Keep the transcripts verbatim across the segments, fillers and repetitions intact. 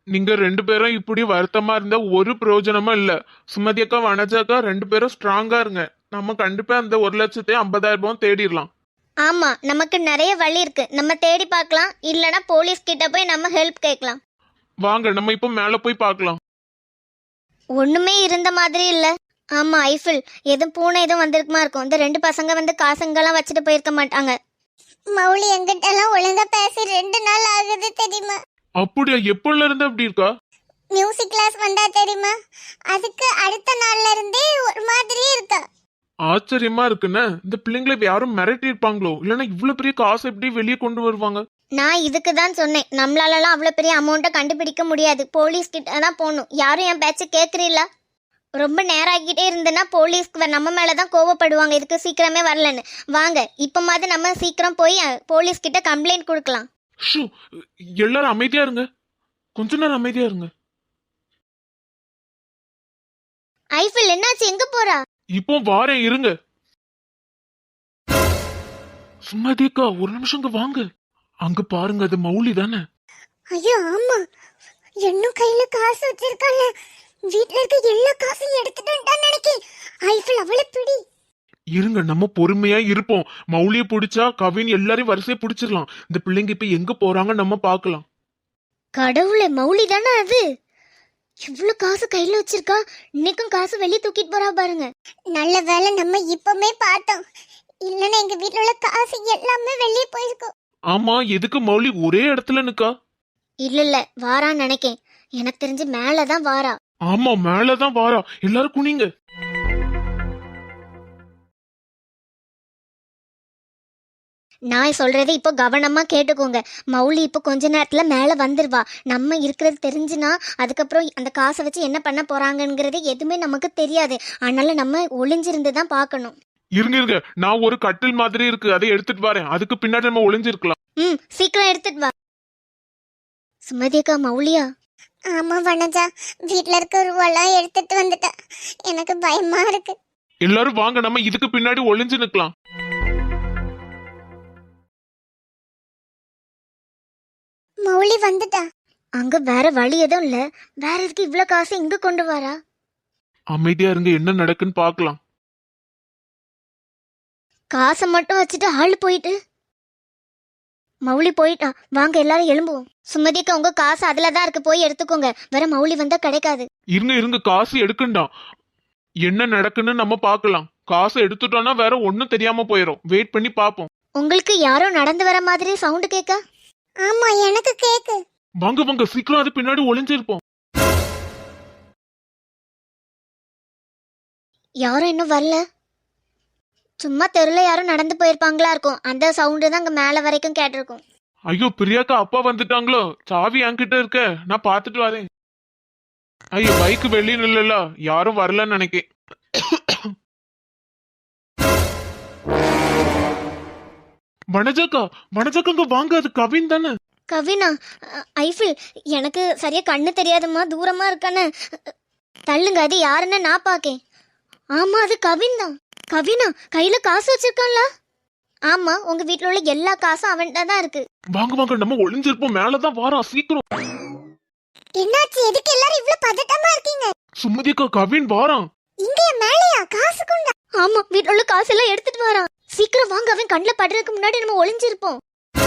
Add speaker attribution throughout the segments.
Speaker 1: நீங்க ரெண்டு பேரும் இப்படி வருத்தமா இருந்தா ஒரு பிரயோஜனமும் இல்ல. சுமதி அக்கா வனஜா அக்கா ரெண்டு பேரும் ஸ்ட்ராங்கா இருங்க. நம்ம கண்டிப்பா அந்த ஒரு லட்சத்தி ஐம்பதாயிரம் ரூபாய் தேடிடலாம்.
Speaker 2: ஆமா, நமக்கு நிறைய வழி இருக்கு. நம்ம தேடி பார்க்கலாம், இல்லனா போலீஸ் கிட்ட போய் நம்ம ஹெல்ப் கேட்கலாம்.
Speaker 1: வாங்க நம்ம இப்போ மேல போய் பார்க்கலாம்.
Speaker 2: ஒண்ணுமே இருந்த மாதிரி இல்ல. ஆமா ஐஃபில், எதுவும் பூனை எதுவும் வந்திருக்குமா இருக்கும். இந்த ரெண்டு பசங்க வந்து காசுங்கெல்லாம் வச்சுட்டு போயிருக்க மாட்டாங்க. மௌலி எங்கிட்ட எல்லாம் ஒழுங்கா பேசி ரெண்டு நாள் ஆகுது தெரியுமா?
Speaker 1: அப்படியா? எப்பல இருந்து அப்படி இருக்கா?
Speaker 2: மியூசிக் கிளாஸ் வந்தா தெரியுமா, அதுக்கு அடுத்த நாள்ல இருந்தே ஒரு மாதிரியே இருக்கா.
Speaker 1: ஆச்சரியமா இருக்குன்னு. இந்த பிள்ளைங்களை யாரும் மிரட்டி இருப்பாங்களோ, இல்லைன்னா இவ்வளவு பெரிய காசு எப்படி வெளியே கொண்டு வருவாங்க?
Speaker 2: நான் இதுக்கு தான் சொன்னேன், நம்மளாலலாம் அவ்வளோ பெரிய அமௌண்ட்டை கண்டுபிடிக்க முடியாது, போலீஸ் கிட்ட தான் போகணும். யாரும் என் பேச்சை கேட்குறீங்களா? ரொம்ப நேரம் ஆகிட்டே இருந்ததுன்னா போலீஸ்க்கு நம்ம மேலே தான் கோவப்படுவாங்க, இதுக்கு சீக்கிரமே வரலன்னு. வாங்க இப்போ மாதிரி நம்ம சீக்கிரம் போய் போலீஸ் கிட்ட கம்ப்ளைண்ட் கொடுக்கலாம்.
Speaker 1: ஷூ, எல்லாரும் அமைதியா இருங்க, கொஞ்ச நேரம் அமைதியா இருங்க.
Speaker 2: ஐஃபில் என்னாச்சு, எங்க போறா?
Speaker 1: இப்போ வாரேன் இருங்க. சும்மாதேக்கா ஒரு நிமிஷம் இங்க வாங்க. அங்க பாருங்க, அது மௌலி தானே?
Speaker 2: ஐயோ ஆமா, இன்னும் கையில காசு வச்சிருக்காங்க. வீட்ல இருக்க எல்லா காசையும் எடுத்துட்டான்னு நினைக்கிறேன். ஐஃபில் அவளை பிடி.
Speaker 1: இருங்க, நம்ம பொறுமையா இருப்போம். மௌலிய பிடிச்சா கவின் எல்லாரையும் வரிசையா பிடிச்சிடலாம். இந்த பிள்ளைங்க இப்ப எங்க போறாங்க நம்ம பாக்கலாம்.
Speaker 2: கடவுளே, மௌலி தானே அது? இவ்வளவு காசு கையில வச்சிருக்கா, இன்னைக்கும் காசு வெளியே தூக்கிட்டு போறா பாருங்க. நல்ல வேலை நம்ம இப்பமே பார்த்தோம், இல்லன்னா எங்க வீட்ல உள்ள காசு எல்லாமே வெளியே போயிருக்கும்.
Speaker 1: ஆமா, எதுக்கு மௌலி ஒரே இடத்துல நிக்கா?
Speaker 2: இல்ல இல்ல, வாரான்னு நினைக்கேன். எனக்கு தெரிஞ்சு மேலதான் வாரா.
Speaker 1: ஆமா, மேலதான் வாரா. எல்லாரும் குனிங்க.
Speaker 2: நான் சொல்றதை இப்போ கவனமா கேட்டுக்கோங்க. மௌலி இப்போ கொஞ்ச நேரத்துல மேல வந்துருவா. நம்ம இருக்கிறது தெரிஞ்சுனா அதுக்கப்புறம் அந்த காசை வச்சு என்ன பண்ண போறாங்கங்கிறது எதுவுமே நமக்கு தெரியாது. அதனால நம்ம ஒளிஞ்சிருந்து தான் பார்க்கணும்.
Speaker 1: இருங்க இருங்க, நான் ஒரு கட்டில் மாதிரி இருக்கு, அதை எடுத்துட்டு வரேன். அதுக்கு பின்னாடி நம்ம ஒளிஞ்சிருக்கலாம்.
Speaker 2: ம், சீக்கிரம் எடுத்துட்டு வா. சுமதிக்கா, மௌலியா? ஆமா வனஜா, வீட்ல இருக்க ரூபாலாம் எடுத்துட்டு வந்துட்டா. எனக்கு பயமா இருக்கு.
Speaker 1: எல்லாரும் வாங்க, நம்ம இதுக்கு பின்னாடி ஒளிஞ்சு நிக்கலாம்.
Speaker 2: மௌலி வந்துட்டா. அங்க வேற வழி எதுவும் இல்ல. வேற எதுக்கு இவ்ளோ காசு இங்க கொண்டு வரா?
Speaker 1: அமைதியா இருங்க, என்ன நடக்குன்னு பாக்கலாம்.
Speaker 2: காசை மட்டும் வச்சுட்டு ஆள் போயிட்டு. மௌலி போயிட்டா, வாங்க எல்லாரும் எழும்புவோம். சுமதிக்கு உங்க காசு அதுலதான் இருக்கு, போய் எடுத்துக்கோங்க. வேற மௌலி வந்தா கிடைக்காது.
Speaker 1: இருங்க இருங்க, காசு எடுக்கண்டா. என்ன நடக்குன்னு நம்ம பாக்கலாம். காசு எடுத்துட்டோம்னா வேற ஒண்ணும் தெரியாம போயிரும். வெயிட் பண்ணி பாப்போம்.
Speaker 2: உங்களுக்கு யாரோ நடந்து வர மாதிரி சவுண்ட் கேட்க? ஆமா, எனக்கு கேக்கு.
Speaker 1: வாங்க வாங்க, சீக்கிரம் அது பின்னாடி ஒளிஞ்சிருப்போம்.
Speaker 2: யாரும் இன்னும் வரல. சும்மா தெருல யாரும் நடந்து போயிருப்பாங்களா இருக்கும். அந்த சவுண்டு தான் அங்க மேல வரைக்கும் கேட்டிருக்கும்.
Speaker 1: ஐயோ, பிரியாக்கா அப்பா வந்துட்டாங்களோ? சாவி என்கிட்ட இருக்க, நான் பாத்துட்டு வரேன். ஐயோ, பைக் வெளியே நில்லல, யாரும் வரலன்னு நினைக்கேன். வனஜாக்கா, வனஜாக்கா வாங்க, அது கவின் தானே?
Speaker 2: கவினா? ஐஃபில், எனக்கு சரியா கண்ணு தெரியாதம்மா, தூரமா இருக்கானே. தள்ளுங்க, அது யாருன்னு நான் பாக்கேன். ஆமா, அது கவின் தான். கவினா, கையில காசு வச்சிருக்கான்ல? ஆமா, உங்க வீட்டுல உள்ள எல்லா காசும் அவன்கிட்ட தான் இருக்கு.
Speaker 1: வாங்க வாங்க, நம்ம ஒளிஞ்சிருப்போம். மேலதான் வாரா, சீக்கிரம்.
Speaker 2: என்னாச்சு, எதுக்கு எல்லாரும் இவ்ளோ பதட்டமா இருக்கீங்க?
Speaker 1: சுமதிக்கா, கவின் வாரான்.
Speaker 2: இங்க மேலையா? காசு கொண்டா? ஆமா, வீட்டுல உள்ள காசு எல்லாம் எடுத்துட்டு வரான். சீக்கிரம் வாங்க, அவன் கண்ணுல படுறதுக்கு முன்னாடி நம்ம ஒளிஞ்சிருப்போம்.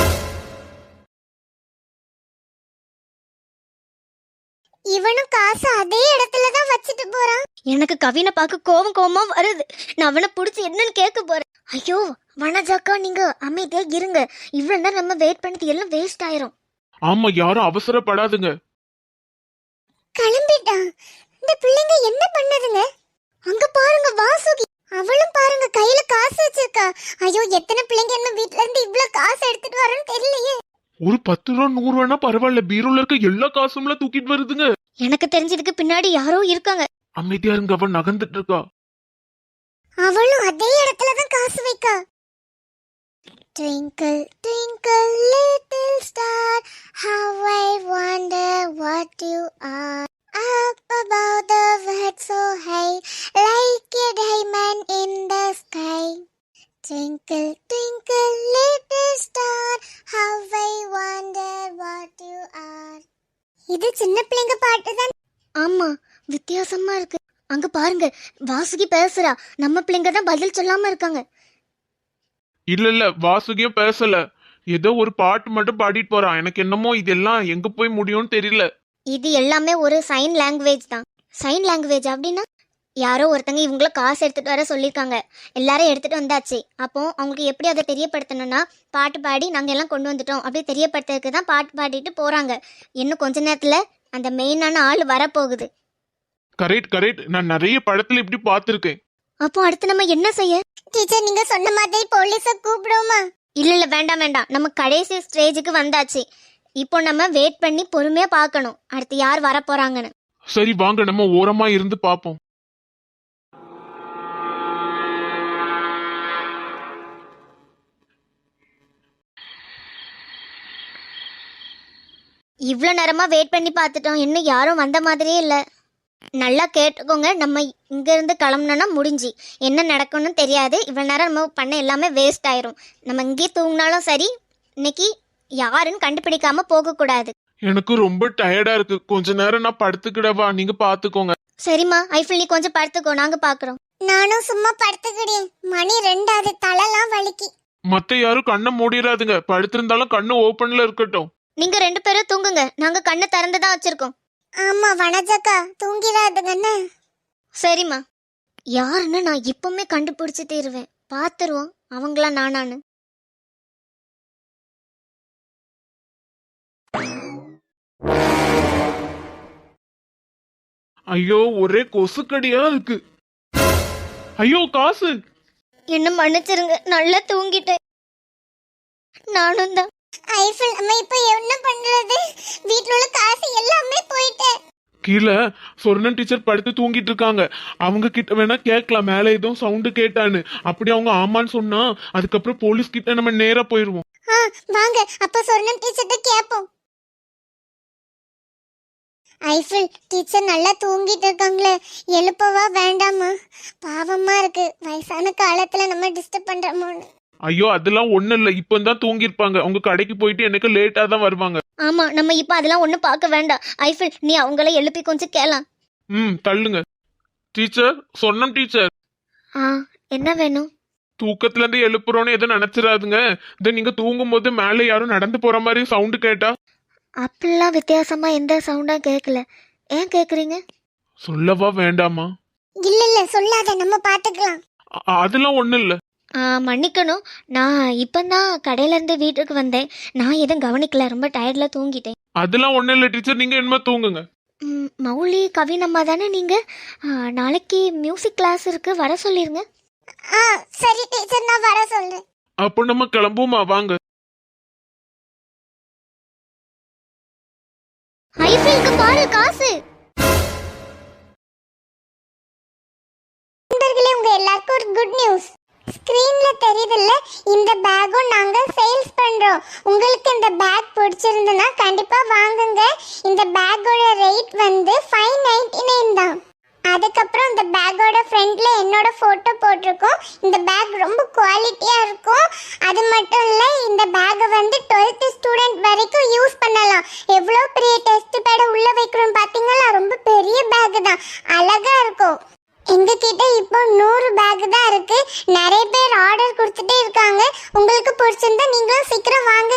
Speaker 2: இவனும் காசு அதே இடத்துல தான் வச்சிட்டு போறான். எனக்கு கவினை பார்க்க கோவம் கோவமா வருது. நான் அவனை புடிச்சு என்னன்னு கேட்க போறேன். ஐயோ வனஜாக்கா, நீங்க அமைதியா இருங்க. இவ்வளவு நேரம் நம்ம வெயிட் பண்ணது எல்லாம் வேஸ்ட் ஆயிரும்.
Speaker 1: ஆமா, யாரும் அவசரப்படாதுங்க.
Speaker 2: கிளம்பிட்டான். இந்த பிள்ளைங்க என்ன பண்ணுதுங்க? அங்க பாருங்க வாசுகி, அவளும் பாருங்க கையில காசு வச்சிருக்கா. ஐயோ, எத்தனை பிள்ளைங்க என்ன வீட்ல இருந்து இவ்வளவு காசு எடுத்துட்டு வரேன்னு தெரியலையே.
Speaker 1: ஒரு பத்து ரூபா நூறு ரூபானா பரவாயில்ல, பீரோல இருக்க எல்லா காசும்ல தூக்கிட்டு வருதுங்க.
Speaker 2: எனக்கு தெரிஞ்சதுக்கு பின்னாடி யாரோ இருக்காங்க.
Speaker 1: அமைதியா இருங்க, அவன் நகர்ந்துட்டு இருக்கா.
Speaker 2: அவளும் அதே இடத்துல தான் காசு வைக்கா. Twinkle twinkle little star, how I wonder what you are. Up above the world so high, like a diamond in the sky. Twinkle twinkle little star, how I wonder what you are. இது சின்ன பிள்ளைங்க பாட்டு தான். ஆமா, வித்தியாசமா இருக்கு. அங்க பாருங்க, வாசுகி பேசுறா. நம்ம பிள்ளைங்க தான் பதில் சொல்லாம இருக்காங்க.
Speaker 1: இல்ல இல்ல வாசுகியும் பேசல, ஏதோ ஒரு பாட்டு மட்டும் பாடிட்டு போறான். எனக்கு என்னமோ இதெல்லாம் எங்க போய் முடியும்னு தெரியல.
Speaker 2: இது எல்லாமே ஒரு சைன் லாங்குவேஜ் தான். சைன் லாங்குவேஜ் அப்படின்னா யாரோ ஒருத்தங்க இவங்கள காசு எடுத்துட்டு வர சொல்லியிருக்காங்க. எல்லாரும் எடுத்துட்டு வந்தாச்சு. அப்போ அவங்களுக்கு எப்படி அதை தெரியப்படுத்தணும்னா பாட்டு பாடி நாங்கள் எல்லாம் கொண்டு வந்துட்டோம் அப்படி தெரியப்படுத்துறதுக்கு தான் பாட்டு பாடிட்டு போறாங்க. இன்னும் கொஞ்ச நேரத்துல அந்த மெயினான ஆள் வரப்போகுது.
Speaker 1: கரெக்ட் கரெக்ட், நான் நிறைய படத்துல இப்படி பார்த்திருக்கேன்.
Speaker 2: அப்போ அடுத்து நம்ம என்ன செய்ய? டீச்சர், நீங்க சொன்ன மாதிரி போலீஸ கூப்பிடுவோமா? இல்ல இல்ல, வேண்டாம் வேண்டாம். நம்ம கடைசி ஸ்டேஜுக்கு வந்தாச்சு. இப்போ நம்ம வெயிட் பண்ணி பொறுமையா பார்க்கணும் அடுத்து யார் வர போறாங்கன்னு.
Speaker 1: சரி வாங்க, நம்ம ஓரமா இருந்து பார்ப்போம்.
Speaker 2: இவ்வளோ நேரமா வெயிட் பண்ணி பார்த்துட்டோம், இன்னும் யாரும் வந்த மாதிரியே இல்லை. நல்லா கேட்டுக்கோங்க, நம்ம இங்கேருந்து கிளம்புனோன்னா முடிஞ்சு என்ன நடக்கும்னு தெரியாது. இவ்வளோ நேரம் நம்ம பண்ண எல்லாமே வேஸ்ட் ஆயிரும். நம்ம இங்கேயே தூங்கினாலும் சரி, இன்னைக்கு யாருன்னு கண்டுபிடிக்காம போகக்கூடாது.
Speaker 1: எனக்கு ரொம்ப டயர்டா இருக்கு, கொஞ்ச நேரம் நான் படுத்துக்கிடவா? நீங்க பாத்துக்கோங்க.
Speaker 2: சரிம்மா, ஐஃபில் நீ கொஞ்சம் படுத்துக்கோ, நாங்க பாக்குறோம். நானும் சும்மா படுத்துக்கிட்டேன். மணி ரெண்டாவது, தலைலாம் வலிக்கு.
Speaker 1: மத்த யாரும் கண்ணை மூடிடாதுங்க, படுத்திருந்தாலும் கண்ணு ஓபன்ல இருக்கட்டும்.
Speaker 2: நீங்க ரெண்டு பேரும் தூங்குங்க, நாங்க கண்ணை திறந்து தான் வச்சிருக்கோம். ஆமா வனஜக்கா, தூங்கிடாதுங்கன்னு. சரிம்மா. யாருன்னு நான் இப்பவுமே கண்டுபிடிச்சு தீருவேன். பாத்துருவோம் அவங்களா நானான்னு.
Speaker 1: ஐயோ, ஒரே கொசுக்கடியா இருக்கு. ஐயோ காசு.
Speaker 2: என்ன மன்னிச்சிருங்க, நல்லா தூங்கிட்டேன். நானும் தான். ஐஃபில், நம்ம இப்ப என்ன பண்றது? வீட்ல உள்ள காசு எல்லாமே போயிட்டே.
Speaker 1: கீழே சொர்ணன் டீச்சர் படுத்து தூங்கிட்டு இருக்காங்க. அவங்க கிட்ட வேணா கேட்கலாம், மேல ஏதோ சவுண்டு கேட்டான்னு. அப்படி அவங்க ஆமான்னு சொன்னா அதுக்கப்புறம் போலீஸ் கிட்ட நம்ம நேரா போயிருவோம்.
Speaker 2: வாங்க, அப்ப சொர்ணன் டீச்சர்ட்ட கேப்போம். ஐஃபில், டீச்சர் நல்லா தூங்கிட்டு இருக்காங்களே, எழுப்பவா வேண்டாமா? பாவமா இருக்கு, வயசான காலத்துல நம்ம டிஸ்டர்ப் பண்றோமோன்னு.
Speaker 1: ஐயோ அதெல்லாம் ஒண்ணு இல்ல, இப்பதான் தூங்கிருப்பாங்க. அவங்க கடைக்கு போயிட்டு எனக்கு லேட்டா தான் வருவாங்க.
Speaker 2: ஆமா, நம்ம இப்ப அதெல்லாம் ஒண்ணும் பார்க்க வேண்டாம். ஐஃபில், நீ அவங்கள எழுப்பி கொஞ்சம் கேளலாம்.
Speaker 1: ம் தள்ளுங்க. டீச்சர், சொன்னோம் டீச்சர்.
Speaker 2: ஆ, என்ன வேணும்?
Speaker 1: தூக்கத்துல இருந்து எழுப்புறோன்னு எதுவும் நினைச்சிடாதுங்க. இதை நீங்க தூங்கும் போது மேல யாரும் நடந்து போற மாதிரி சவுண்டு கேட்டா?
Speaker 2: அப்படிலாம் வித்தியாசமா எந்த சவுண்டா கேட்கல. ஏன் கேக்குறீங்க?
Speaker 1: சொல்லவா வேண்டாமா?
Speaker 2: இல்ல இல்ல, சொல்லாத, நம்ம பாத்துக்கலாம்.
Speaker 1: அ- அதெல்லாம் ஒண்ணு இல்ல.
Speaker 2: ஆ, மன்னிக்கணும். நான் இப்பந்தான் கடையில இருந்து வீட்டுக்கு வந்தேன். நான் எதுவும் கவனிக்கல, ரொம்ப டயர்ட்ல தூங்கிட்டேன்.
Speaker 1: அதெல்லாம் ஒண்ணு இல்ல டீச்சர், நீங்க என்ன தூங்குங்க.
Speaker 2: ம், மௌலி கவினம்மா தானே நீங்க? ஆ, நாளைக்கு மியூசிக் கிளாஸ் இருக்கு, வர சொல்லிருங்க. ஆ சரி டீச்சர், நான் வர சொல்றேன்.
Speaker 1: அப்போ நம்ம கிளம்புமா, வாங்க.
Speaker 2: ஐஃபில்க்கு பாரு காசு. நண்பர்களே, உங்க எல்லாருக்கும் ஒரு குட் நியூஸ். ஸ்கிரீன்ல தெரியுதுல்ல, இந்த பேக்கும் நாங்க சேல்ஸ் பண்றோம். உங்களுக்கு இந்த பேக் பிடிச்சிருந்தனா கண்டிப்பா வாங்குங்க. இந்த பேக்கோட ரேட் வந்து ஃபைவ் நைன்டி நைன் தான். அதுக்கப்புறம் இந்த பேக்கோட ஃப்ரண்ட்ல என்னோட போட்டோ போட்டிருக்கோம். இந்த பேக் ரொம்ப குவாலிட்டியா இருக்கும். அது மட்டும் இல்ல, இந்த பேக்கை வந்து டுவெல்த் ஸ்டூடெண்ட் வரைக்கும் யூஸ் பண்ணலாம். எவ்வளோ பெரிய டெஸ்ட் பேட உள்ள வைக்கிறோம் பாத்தீங்களா? ரொம்ப பெரிய பேக் தான், அழகா இருக்கும். எங்க கிட்ட இப்போ நூறு பேக் தான் இருக்கு. நிறைய பேர் ஆர்டர் கொடுத்துட்டே இருக்காங்க. உங்களுக்கு பிடிச்சிருந்தா நீங்களும் சீக்கிரம் வாங்க.